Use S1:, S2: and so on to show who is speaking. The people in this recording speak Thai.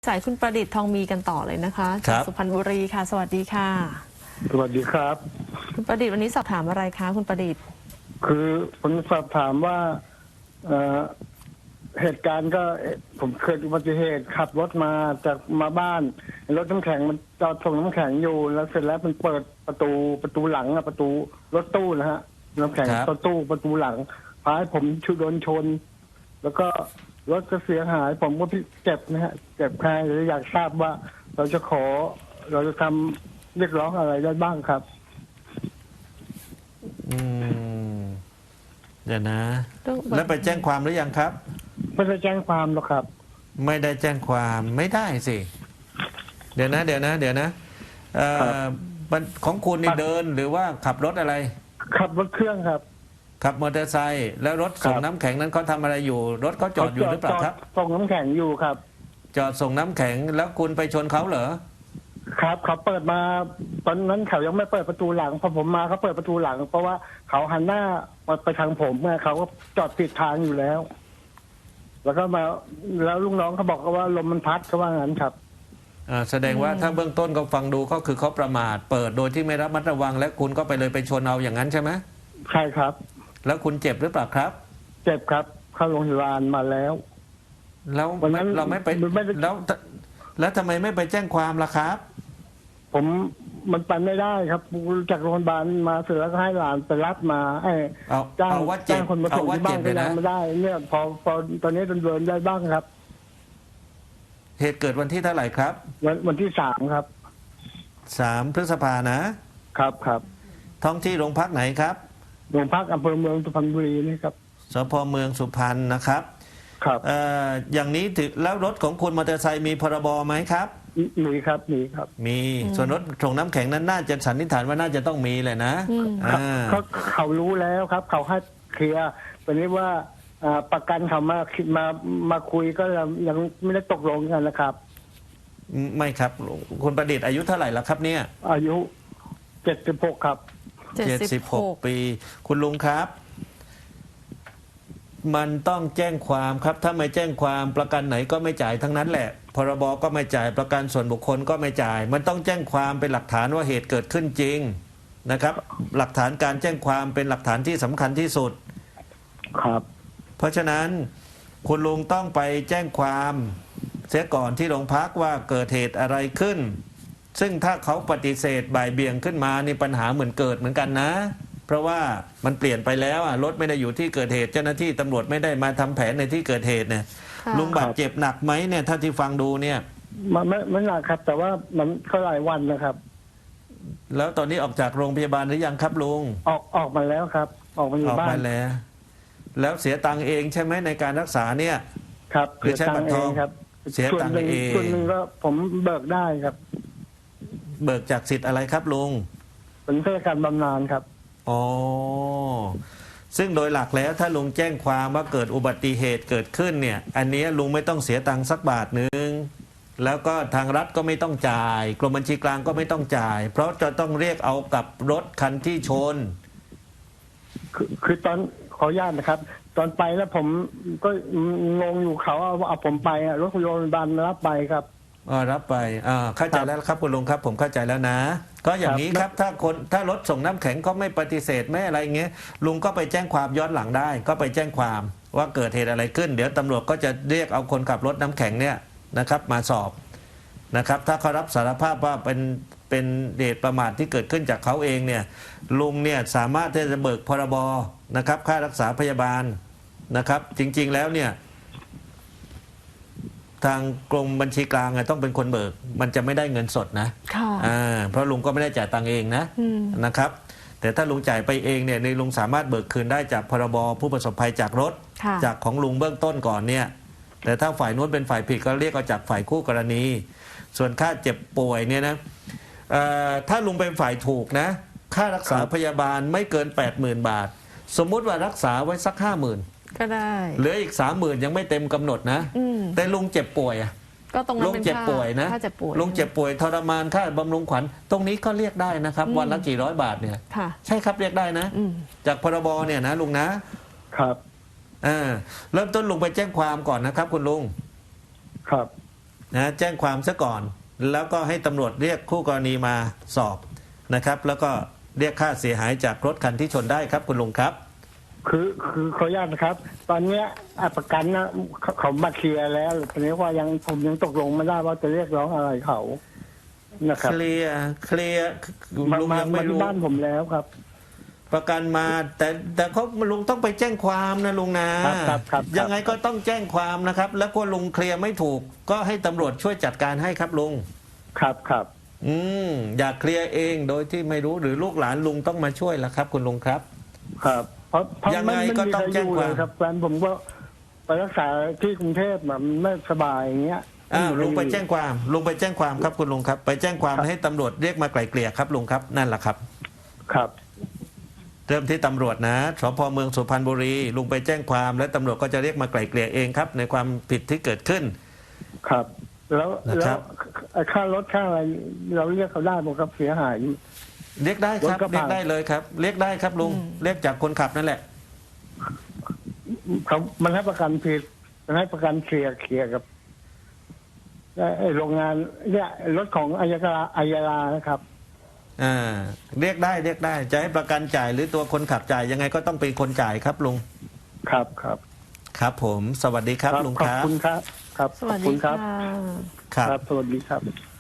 S1: สายคุณประดิษฐ์ทองมีกันต่อเลยนะคะ
S2: ครั
S1: จาก
S2: บ
S1: สุพรรณบุรีค่ะสวัสดีค่ะ
S3: สวัสดีครับ
S1: คุณประดิษฐ์วันนี้สอบถามอะไรคะคุณประดิษฐ์
S3: คือผมสอบถามว่าเอ่อเหตุการณ์ก็ผมเคยอุบัติเหตุขับรถมาจากมาบ้านรถน้ำแข็งมันจอดส่งน้ำแข็งอยู่แล้วเสร็จแล้วมันเปิดประตูหลังอะประตูรถตู้นะฮะน้ำแข็ง
S2: ครับ
S3: ประตูหลังพาให้ผมโดนชน แล้วก็รถก็เสียหาย ผมก็เจ็บนะฮะเจ็บแค่เลยอยากทราบว่าเราจะทำเรียกร้องอะไรได้บ้างครับ
S2: อืมเดี๋ยวนะ
S1: เรื่อง
S2: แล้วไปแจ้งความหรือยังครับ
S3: ไม่ได้แจ้งความหรอกครับ
S2: ไม่ได้แจ้งความไม่ได้สิ เดี๋ยวนะเอ่อ
S3: ครับ
S2: มันของคุณนี่เดินหรือว่าขับรถอะไร
S3: ขับรถเครื่องครับ
S2: ขับมอเตอร์ไซค์แล้วรถส่ง
S3: ครับ
S2: น้ำแข็งนั้นเขาทำอะไรอยู่ รถเขาจอดอยู่หรือเปล่าครับ
S3: ส่งน้ำแข็งอยู่ครับ
S2: จอดส่งน้ำแข็งแล้วคุณไปชนเขาเหรอ
S3: ครับเขาเปิดมาตอนนั้นเขายังไม่เปิดประตูหลังพอผมมาเขาเปิดประตูหลัง เพราะว่าเขาหันหน้ามาไปทางผมไงเขาก็จอดผิดทางอยู่แล้ว แล้วก็มาแล้วลูกน้องเขาบอกว่าลมมันพัดเขาว่างั้นครับ
S2: แสดงว่าถ้าเบื้องต้นก็ฟังดูก็คือเขาประมาทเปิดโดยที่ไม่ระมัดระวัง และคุณก็ไปชนเอาอย่างนั้นใช่ไหม
S3: ใช่ครับ
S2: แล้วคุณเจ็บหรือเปล่าครับ
S3: เจ็บครับเข้าโรงพยาบาลมาแล้ว
S2: แล้ว
S3: วันนั้น
S2: เราไม่ไป
S3: ไม่ได้
S2: แล้วทำไมไม่ไปแจ้งความล่ะครับ
S3: ผมมันไปไม่ได้ครับจากโรงพยาบาลมาเสร็จแล้วก็ให้หลานไปรับมาให้
S2: เอาว่าเจ็
S3: จ้า
S2: บ
S3: งคนมาส่งที่บ้านก็ยังไม่ได้ เนี่ยพอตอนนี้เดินได้บ้างครับ
S2: เหตุเกิดวันที่เท่าไหร่ครับ
S3: วันที่3ครับ
S2: 3 พฤษภานะครับ
S3: ครับ
S2: ท้องที่โรงพักไหนครับ
S3: โรงพักอำเภอเมืองสุพรรณบุรีนี่ครับ
S2: สพเมืองสุพรรณนะครับ
S3: ครับ
S2: อย่างนี้ถือแล้วรถของคุณมอเตอร์ไซค์มีพรบไหมครับ
S3: มีครับมีครับ
S2: มีส่วนรถส่งน้ำแข็งนั้นน่าจะสันนิษฐานว่าน่าจะต้องมีแหละนะ
S3: เขารู้แล้วครับ เขาให้เคลียร์เป็นนี้ว่าประกันเขามาคุยก็ยังไม่ได้ตกลงกันนะครับ
S2: ไม่ครับคุณประดิษฐ์อายุเท่าไหร่แล้วครับเนี่ย
S3: อายุ76ครับ
S2: 76 ปี คุณลุงครับ มันต้องแจ้งความครับ ถ้าไม่แจ้งความประกันไหนก็ไม่จ่ายทั้งนั้นแหละพรบก็ไม่จ่ายประกันส่วนบุคคลก็ไม่จ่าย มันต้องแจ้งความเป็นหลักฐานว่าเหตุเกิดขึ้นจริงนะครับ หลักฐานการแจ้งความเป็นหลักฐานที่สำคัญที่สุด
S3: ครับ
S2: เพราะฉะนั้นคุณลุงต้องไปแจ้งความเสียก่อนที่โรงพักว่าเกิดเหตุอะไรขึ้น ซึ่งถ้าเขาปฏิเสธบ่ายเบี่ยงขึ้นมานี่ปัญหาเหมือนเกิดเหมือนกันนะ เพราะว่ามันเปลี่ยนไปแล้วรถไม่ได้อยู่ที่เกิดเหตุเจ้าหน้าที่ตำรวจไม่ได้มาทำแผนในที่เกิดเหตุเนี่ย
S1: ค่ะ
S2: ลุงบาดเจ็บหนักไหมเนี่ยถ้าที่ฟังดูเนี่ย
S3: ไม่หนักครับ แต่ว่ามันก็หลายวันนะครับ
S2: แล้วตอนนี้ออกจากโรงพยาบาลหรือยังครับลุง
S3: ออกมาแล้วครับ ออกมาอยู่
S2: ออก
S3: บ้า
S2: มาน แล้วเสียตังค์เองใช่ไหมในการรักษาเนี่ย
S3: ครับ
S2: หรือใช้บัตรทอง
S3: ครับ
S2: เสียตังค์เอง
S3: ส่วนหนึ่งก็ผมเบิกได้ครับ
S2: เบิกจากสิทธิ์อะไรครับลุง
S3: เป็นข้าราชการบำนาญครับ
S2: อ๋อ ซึ่งโดยหลักแล้วถ้าลุงแจ้งความว่าเกิดอุบัติเหตุเกิดขึ้นเนี่ย อันนี้ลุงไม่ต้องเสียตังค์สักบาทหนึ่ง แล้วก็ทางรัฐก็ไม่ต้องจ่าย กรมบัญชีกลางก็ไม่ต้องจ่าย เพราะจะต้องเรียกเอากับรถคันที่ชน
S3: คือตอนขออนุญาตนะครับ ตอนไปแล้วผมก็งงอยู่เขาเอาผมไปรถโรงพยาบาลรับไปครับ
S2: รับไปเข้าใจแล้วครับคุณลุงครับ ผมเข้าใจแล้วนะ ก็อย่างนี้ครับถ้ารถส่งน้ำแข็งก็ไม่ปฏิเสธไม่อะไรเงี้ยลุงก็ไปแจ้งความย้อนหลังได้ ก็ไปแจ้งความว่าเกิดเหตุอะไรขึ้น เดี๋ยวตำรวจก็จะเรียกเอาคนขับรถน้ำแข็งเนี่ยนะครับมาสอบนะครับ ถ้าเขารับสารภาพว่าเป็นเหตุประมาทที่เกิดขึ้นจากเขาเองเนี่ยลุงเนี่ยสามารถที่จะเบิกพรบนะครับค่ารักษาพยาบาลนะครับ จริงๆแล้วเนี่ยทางกรมบัญชีกลางต้องเป็นคนเบิกมันจะไม่ได้เงินสดนะ
S1: ค่ะ
S2: เพราะลุงก็ไม่ได้จ่ายตังค์เองนะนะครับ แต่ถ้าลุงจ่ายไปเองเนี่ยในลุงสามารถเบิกคืนได้จากพรบผู้ประสบภัยจากรถ
S1: ค่ะ
S2: จากของลุงเบื้องต้นก่อนเนี่ยแต่ถ้าฝ่ายนู้นเป็นฝ่ายผิดก็เรียกเอาจากฝ่ายคู่กรณี ส่วนค่าเจ็บป่วยเนี่ยนะถ้าลุงเป็นฝ่ายถูกนะค่ารักษาพยาบาลไม่เกิน 80,000 บาท สมมุติว่ารักษาไว้สัก 50,000
S1: ก็ได้
S2: เหลืออีก 30,000ยังไม่เต็มกำหนดนะแต่ลุงเจ็บป่วย
S1: ก็ตรงนั้น
S2: ลุง
S1: เป็น
S2: เจ็บป่วยนะ
S1: ค่าเจ็บป่วย
S2: ลุงเจ็บป่วยทรมานค่าบำรุงขวัญตรงนี้ก็เรียกได้นะครับ วันละกี่ร้อยบาทเนี่ย
S1: ค่ะ
S2: ใช่ครับเรียกได้นะ จากพรบเนี่ยนะลุงนะครับเริ่มต้นลุงไปแจ้งความก่อนนะครับ คุณลุง
S3: ครับ
S2: นะแจ้งความซะก่อน แล้วก็ให้ตำรวจเรียกคู่กรณีมาสอบนะครับ แล้วก็เรียกค่าเสียหายจากรถคันที่ชนได้ครับคุณลุงครับ
S3: คือขออนุญาตนะครับ ตอนเนี้ยประกันนะเขามาเคลียร์แล้วทีนี้ว่าผมยังตกลงไม่ได้ว่าจะเรียกร้องอะไรเขานะครับ
S2: เคลียร์ลุง
S3: มา
S2: ยังไม่
S3: ที่
S2: รู้
S3: บ้านผมแล้วครับ
S2: ประกันมาแต่เขาลุงต้องไปแจ้งความนะลุงนะครับ
S3: ครับ
S2: ยังไงก็ต้องแจ้งความนะครับ แล้วก็ลุงเคลียร์ไม่ถูก ก็ให้ตำรวจช่วยจัดการให้ครับลุง
S3: ครับ
S2: อยากเคลียร์เองโดยที่ไม่รู้หรือลูกหลานลุงต้องมาช่วยละครับ คุณลุงครับ
S3: ครับเพราะ
S2: ยังไง
S3: ม่
S2: ก็ต้อง
S3: มีใคร
S2: แจ้งความ
S3: ยู่เลยครับแฟนผมก็ไปรักษาที่กรุงเทพมันไม่สบายอย่างเงี้ย
S2: ลุงไปแจ้งความครับคุณลุงครับ ไปแจ้งความให้ตำรวจเรียกมาไกล่เกลี่ยครับลุงครับนั่นแหละครับ
S3: ครับ
S2: เริ่มที่ตำรวจนะสพเมืองสุพรรณบุรีลุงไปแจ้งความและตำรวจก็จะเรียกมาไกล่เกลี่ยเองครับ ในความผิดที่เกิดขึ้น
S3: ครับ แล้ว
S2: นะครับ
S3: ค่ารถค่าอะไรเราเรียกเขาได้บอกครับเสียหาย
S2: เรียกได้ครับ
S3: รถกระบะ
S2: เรียกได้เลยครับ เรียกได้ครับลุงเรียกจากคนขับนั่นแหละ
S3: เขามันให้ประกันผิดมันให้ประกันเคลียร์กับไอ้โรงงานเนี่ยรถของอายาลานะครับ
S2: เรียกได้จะให้ประกันจ่ายหรือตัวคนขับจ่ายยังไงก็ต้องเป็นคนจ่ายครับลุง
S3: ครับ
S2: ครับ ผมสวัสดีครับลุง
S3: ข
S2: ค
S3: อบ
S2: รับ
S3: คุณครับ ครับ
S1: สวัส
S3: ขอบคุ
S1: ดี
S3: ณครั
S1: ค่ะ
S3: บ
S2: ครับ
S3: ครับ สวัสดีครับ